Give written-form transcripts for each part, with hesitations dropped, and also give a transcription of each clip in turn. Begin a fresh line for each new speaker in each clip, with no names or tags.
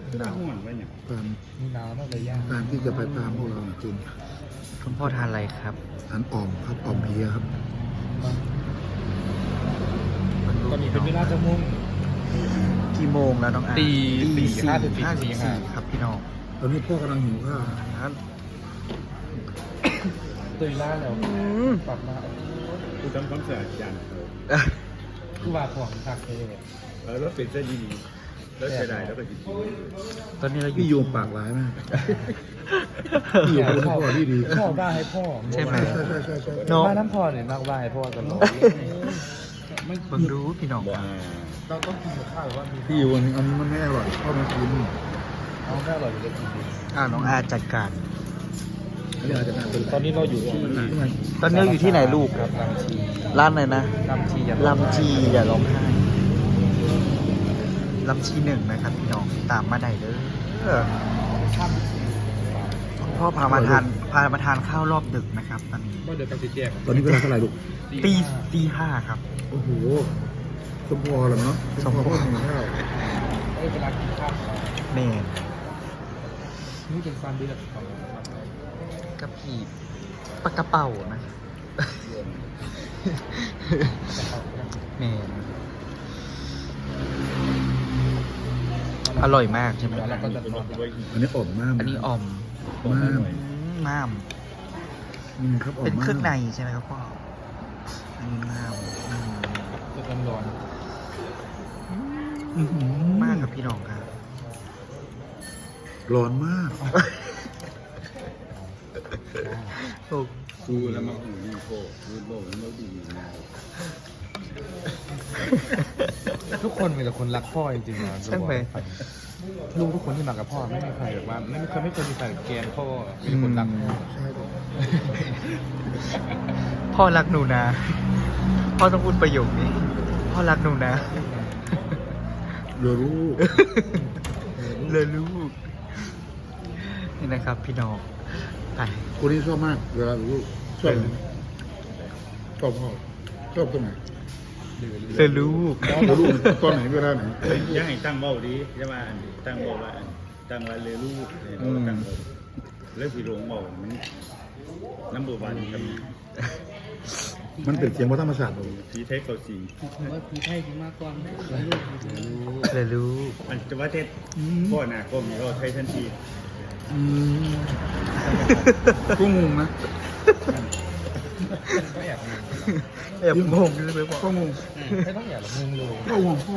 หนาวไว้เนี่ย
การ
มีหนาวมากเลยย่าง
การที่จะไปตามพวกเราจริง
คุณพ่อทานอะไรครับ
อันอ่อมครับอ่อมเพลียครับ
ตอนนี้เป็นเวลาจะมุ่ง
กี่โมงแล้วน้องอา
ตี
ตี
สี่ห้าสิบสี่
54ครับพี่น้อง
ตอนนี้พ่อกำลังหิวข้าว
ตื่นล่าแล้วกลับมา
กูทำความสะอาดจานเขา
คือว่าของทักเลย
แล้วเป็นเส้นดีแล้วใช้ได้แล้วก็กิน
ตอนนี้เราอ
พี่โย
ยู่
มปากร้ายมากพี่โยมเป็นพ่อที่ดี
พ่อบ้าให้พ่อ
ใช่ไหม
ใช่
เนาะ
บ้านน้ำพ่อเนี่ยนักบ้าให้พ่อกันหรอ
เบิ่งดูพี่น้องครับ
เราต้องกินกับข้าวหรือว่ามี
พี่โยมอันนี้มันไม่อร่อยพ่อมากิน
เอาแค่อร่อยอยู่จะกินดี
น้องอาจัดการ
อันนี้อาจจะน่าเป็น
ตอนนี้เราอยู่ที่
ตอนนี้เราอยู่ที่ไหนลูก
ครับลำชี
ร้านไหนนะ
ลำชี
ลำจีอย่าร้องไห้ลำชีหนึ่งนะครับพี่น้องตามมาได้เลยคุณพ่อพามาทานข้าวรอบดึกนะครับตอนนี้
ก็เดี๋ยวกันติดแจก
ตอนนี้เวลาเท่าไหร่ลูก
ตีห้าครับ
โอ้โหสมพอเหรอเนาะสมพอพ่อหิวข้าว
เวลากินข้าว
เมน
นี่เป็นความดีของ
กระผีปากกระเป๋านะเมนอร่อยมากใช่ไหม
แล้วก็จะนอน
อันนี้อ่อมมาก
อันนี้อ่อม
มาก
ม้าม
นี่ครับอ่อม
เป็น
มาก
เครื่องในใช่ไหมครับพ่ออันนี้ม้าม
จะร้อน
มากกับพี่น้องครับ
ร้อนมาก
โอ้
กูแล้วมาหูนี่โครูดโบมันไม่ดีนะ
ทุกคนมีแต่คนรักพ่อจริงๆนะ
ใช่ไหม
ลูกทุกคนที่มากับพ่อไม่มีใครแบบว่าไม่เคยมีใครแกนพ่อมีคนรักพ่อ
ใช่ครับ
พ่อรักหนูนะ พ่อต้องพูดประโยคนี้ พ่อรักหนูนะ
เรือรู้
เลยลูกนี่นะครับพี่น้องไป
คนนี้ชอบมากเวลารู้ชอบไหมชอบพ่อชอบตรงไหน
เลยลูก
แล้วรู้ตอนไหนเวลาไหน
ยังให้ตั้งเบ้าดีใช่ไหมตั้งเบ้าว่าตั้งว่าเรือลูกตั้งเบ้าแล้วสีหลงเบ้ามันน้ำบัวบานกัน
มันเป็นเสียงวัฒนธรรมศาสตร์เลย
ผีไทยเขาสี
ผมว่าผีไทยถึงมากกว่า
เลยลูก
มันจะว่าเทศพ่อหน้าก็มีก็ไทยทันที
ก็งงนะ
ก็อยากงง
แอบงงเลยพ่อ
ก็งง
ไม่ต้องอยากงงเลย
ก็ห่วงพ่อ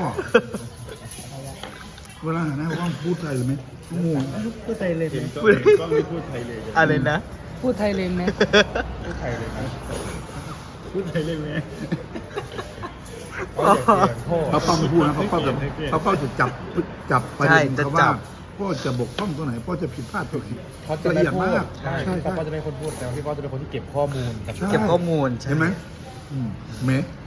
เวลาหาหน้าว่าพูดไทยหรือไม่ก็งง
พูดไทยเลยไหม
ก็ไม่พูดไทยเลย
อะไรนะ
พูดไทยเลยไหม
พูดไทยเลยนะ
พูดไทยเลยไหม
พ่อ
ป้าเป้าไม่พูดนะป้าเป้าจะจับประเด็นเขาว่าพ่อจะบกพร่องตรงไหนพ่อจะผิดพลาดตรงไหน
เขาจะ
ละ
ไม่
เอียด
พู
มา
ด
ก
ใช่
ใช่
พ่อ
ใช่
จะเป็นคนพูดแต่พี่พ่อจะเป็นคนที่เก็บข้อมูล
ใช่
เก็บข้อมูลใช่
เห็นไหมเม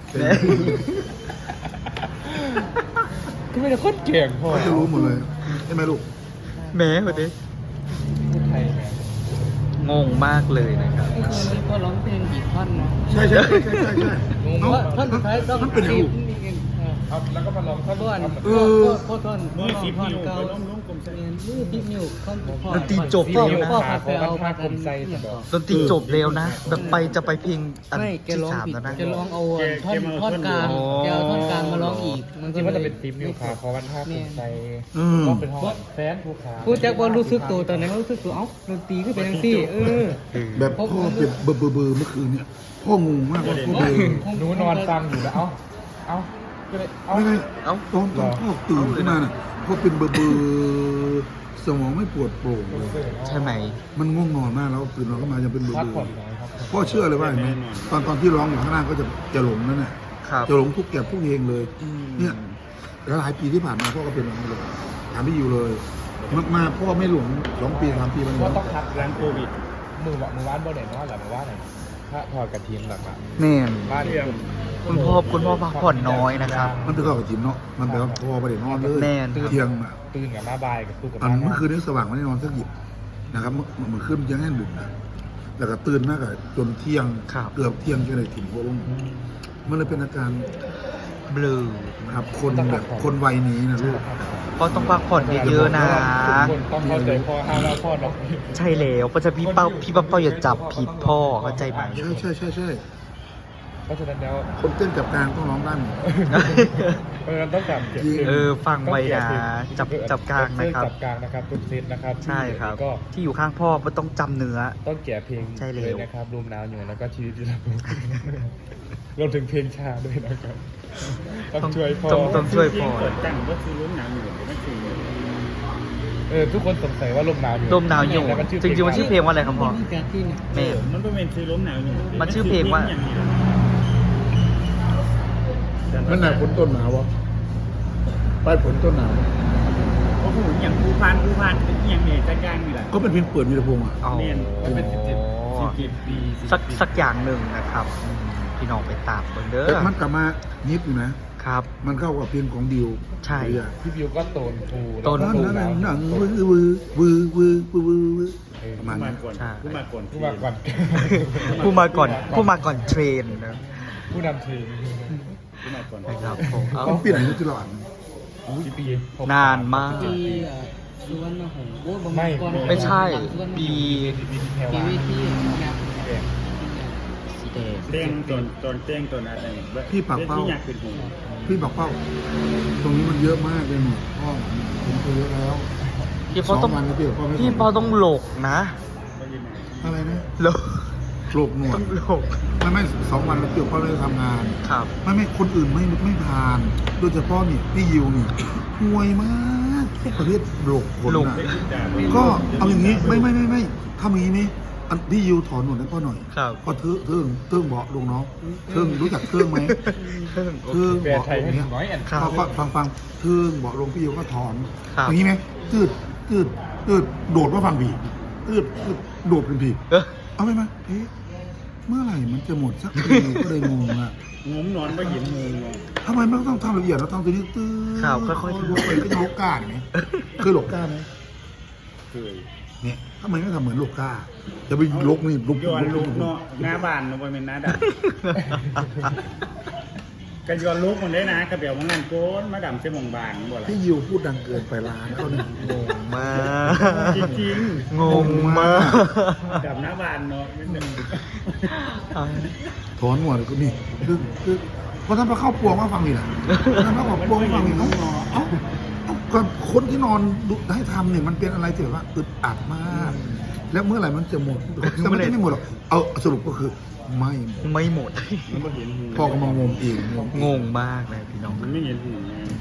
คือไม่ได้คนเก่งพ่อ
เขาจะรู้หมดเลยใช่ไหมลูก
แม่พอดี
พูดไทยไง
งงมากเลยนะครับ
ไอ้คนนี้ก็ร้องเพลงอีกท่อนเนาะ
ใช่ใช่เนาะ
ท่อนสุดท้ายต้อง
มันเป็นอย่างลูก
ครับแล้วก็มาลองท่อน
ท่อน
เออ
พ่อท่อน
เมื่อสิบ
ท่อน
นิ้ว
เก่า
ก็ล้มกลมใส่
เรียนนี่พิกนิ้วเขาพ่อ
ดนตรีจบ
พ่อ
เร็วนะ
พ่อพาไปเอาพากัน
ดนตรีจบเร็วนะ แบบจะไปเพลงอัน
ไม่แก
ที่
ร้อง
สาม
ผิด
แล้วนะ
แกร้องเอาท่อนกลาง
อ๋อ
แกเอาท่อนกลางมาร้องอีกมัน
ที่
ก็
ว่า
เล
จะ
ย
เป็นฟิล์มนิวคาเพราะวันท่าภูมิใจ
อืม
ก็เป็นห้องแฟนภูขา
พูดจากว่ารู้สึกตัวตอนนั้นรู้สึกตัวเอ้าดนตรีขึ้นเป็นยังซี่
แบบพ่อเป็นเบอร์เมื่อคืนเนี่ยพ่องงมากว่าพ่อเบอร์
หนูนอนฟังอยู่แล้วเอ้าก็เลยเอ้า
ไม่ตอนพ่อตื่นขึ้นมาน่ะพ่อเป็นเบอร์สมองไม่ปวดโปร่งเลย
ใช่ไหม
มันง่วงนอนมากแล้วตื่นนอนก็มาจะเป็นเบอ
พัก
ร์
ผ่อนน้อยครับ
พ่อเชื่อเลยว่าเห็นไหมตอนที่ร้องอยู่ข้างล่างก็จะหลงนั่นแหละ
ครับ
จะหลงทุกแก่ทุกเพลงเลย เนี่ยหลายปีที่ผ่านมาพ่อก็เป็นแบบนี้เลยถามพี่อยู่เลยมาพ่อไม่หลง2 ปี3 ปีมัน
ก็ต้องพัก
หลังโควิด
มือว่านบ่เด่นว่าหรือว่าไหนถ้าถอดกระเทียมหลัก
แม่น
บ้านเนี่ย
คุณพ่อพักผ่อนน้อยนะครับ
มันเป็นข้าวกับจิมเนาะมันแปลว่าพ่อไม่ได้นอนเลย
แน่น
เที่ยงอะ
ตื่นกับมาบายกับตู้กับ
อันเมื่อคืนนี้สว่างไม่ได้นอนสักหยิบนะครับเมื่อคืนยังแน่นดึกนะแล้วก็ตื่นมากอะจนเที่ยง
ครับ
เกือบเที่ยงจนเลยถิ่นหัวลงมันเลยเป็นอาการ
เบลอ
ครับคนแบบคนวัยนี้นะลูก
พ่อต้องพักผ่อนเยอะๆนะ
ทุกคนต้องเข้าใจพ่อห้ามว่าพ่อเนาะ
ใช่แล้วเพราะฉะนั้นพี่เป้าอย่าจับผิดพ่อเข้าใจไหม
ใช่
เพราะฉะนั้นแล้ว
คนเต้นจับกลางต้องร้องได้หมด
ต้องจับเก็บ
ฟังไว้นะจับกลางนะครับ
จับกลางนะครับทุกเซตนะครับ
ใช่ครับ
ก็
ที่อยู่ข้างพ่อมันต้องจำเนื้อ
ต้องแกะเพลง
ใช่แล้ว
เลยนะครับรวมนาวอยู่แล้วก็ชีวิตที่เรารวมถึงเพลงชาด้วยนะครับต้องช่วยพ่อ
ต้องช่วยพ่อ
เปิดตั้งก็คือล้มหนาวอยู่ไม่คือ
ทุกคนสงสัยว่าลมหนาวอยู่
ลมหนาวอยู่
แต่มันชื่อ
จริงๆมันชื่อเพลงว่าอะไรครับพ่อ
จากที่เนี่ย
แม่
มันก็เป็นคือล้มหนาวอยู่
มันชื่อเพลงว่า
มันหนาฝนต้นหนาวะปลายฝนต้นหนาว
เพราะผมอย่างผู้พานเป็นอย่างเนี่ยจัดการนี่แหละ
ก็เป็นเพลงเปิดวีรพงษ์อ่ะ
อ๋อ
มันเป็น17 ปี
สักอย่างหนึ่งนะครับพี่น้องไปตามเบิ่งเด้
แต่
อ
มันกลับมานิดอยู่นะครับ มันเข้ากับเพลงของดิว
ใช่
พี่บิวก็โตนฟู
โตน
นั่
ฟู
นหนังวือประมาณ
ผู้มา
นี้
ก่อน
ใช่
ผู้มาก่อน
ผู้มาก่อน
ผู้มาก่อนเทรนนะ
ผู้นำทีม
ผู้มาก่อน
นะครับผมเอา
ต้องปีไหนที่หลอน
ปี
นานมาก
ปีสุวรรณหงส์โอ้บางก่อน
ไม่ใช่ปี
ปีที่แพร
ปี
วา
เวทีงาน
สีแดง
เต้งตอนเต้งตอนอะไรที่อยากเป็นหู
พี่บอกเป้า ตรงนี้มันเยอะมากเลยหนูพ่อผมเคยเยอะแล้ว
พี่พ่อต้อง
2 วันแล้วพี่พ่อไม่
พี่พ่อต้องหลกนะ
อะไรนะ
หลก
โกรกหนว
ต้
ด
องหลก
ไม่2 วันแล้วพี่พ่อเลยทำงาน
ครับ
ไม่คนอื่นไม่ผ่าน โดยเฉพาะนี่พี่ยิวนี่ห่วยมากประเภทโรคขน
โรค
น่ะก็เอาอย่างนี้ไม่ทำอย่างนี้ไหมอันพี่ยิวถอนหนวดให้พ่อหน่อย
ครับ
ก็เทิงเบาะลงน้องเทิงรู้จักเทิงไหมเทิง
แปล
เบาะ
ไทย
ลง
ให้
เนี้ย
น้อยแอน
ครับ
พอฟังเทิงเบาะลงพี่ยิวก็ถอน
ครับ
อย่างนี้ไหมตืดโดดมาฟังผีตืดโดดเป็นผี
เออ
เอาไหมเอ๊ะเมื่อไหร่มันจะหมดสักทีก็เลยงงอ่ะ
งมนอนก็เห็นงู
ทำไมไม่ต้องทำละเอียดเราทำตัวนี้ตื้อ
ครับค่อยๆ
ลงไปก็จะโลก้าไหมเคยโลก้าไหม
เคย
เนี่ยทำไมไม่ทำเหมือนโลก้าจะไปลกนี่ลุก
ย้อนลุกเนาะหน้าบ้านเนาะเป็นหน้าดำก็ย้อนลุกมันได้นะกระเบียวมันนั่นโกนมาดำเส้นบางๆบ่ล่ะ
พี่ยิวพูดดังเกินไปร้านเขาเนี่ย
งงมาก
จริง
งงมาก
ๆกับหน้าบ้านเนาะไม่เป็น
ถอนหัวเลยก็นี่คือพอท่านมาเข้าปวงว่าฟังนี่แหละท่านมาบอกปวงว่าฟังนี่เอ้าก็คนที่นอนดูให้ทำเนี่ยมันเป็นอะไรที่แบบว่าอึดอัดมาก แล้วเมื่อไหร่มันจะหมดแต่มันไม่หมดหรอกเอาสรุปก็คือไม่หมด
ไม่หมด
มันก็เห็นหู
พ่อก็มางมเอง
งงมากเลยพี่น้อง
มันไม่เห็นหู